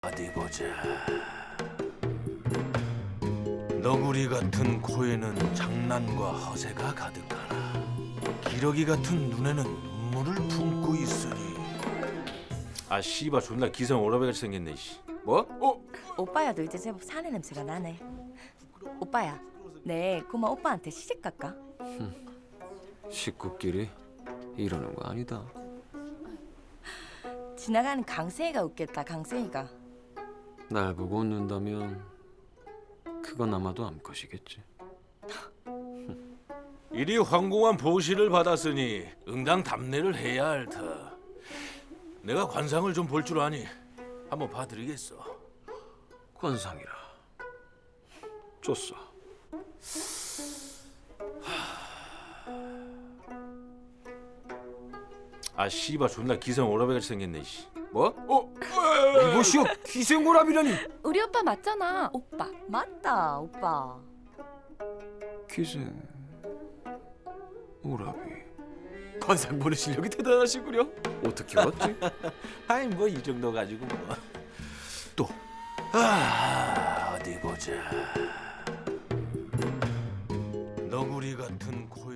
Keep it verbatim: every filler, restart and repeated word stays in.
어디 보자. 너구리 같은 코에는 장난과 허세가 가득하나 기러기 같은 눈에는 눈물을 품고 있으니. 아 씨발 존나 기생 오라배같이 생겼네 씨. 뭐? 어? 오빠야도 이제 제법 사내 냄새가 나네. 오빠야, 내 고마 오빠한테 시집 갈까? 식구끼리 이러는 거 아니다. 지나가는 강세이가 웃겠다. 강세이가. 날 보고 웃는다면 그건 아마도 암컷이겠지. 이리 황공한 보시를 받았으니 응당 답례를 해야 할 터. 내가 관상을 좀 볼 줄 아니 한번 봐드리겠어. 관상이라. 좋소. 아 씨발 존나 기생 오라배같이 생겼네 씨. 뭐? 어? 이보시오, 기생고랍이라니. 우리 오빠 맞잖아. 오빠 맞다. 오빠. 기생 오라비. 관상 보는 실력이 대단하시구려. 어떻게 왔지? 아이 뭐 이 정도 가지고 뭐. 또. 아 어디 보자. 너구리 같은 코.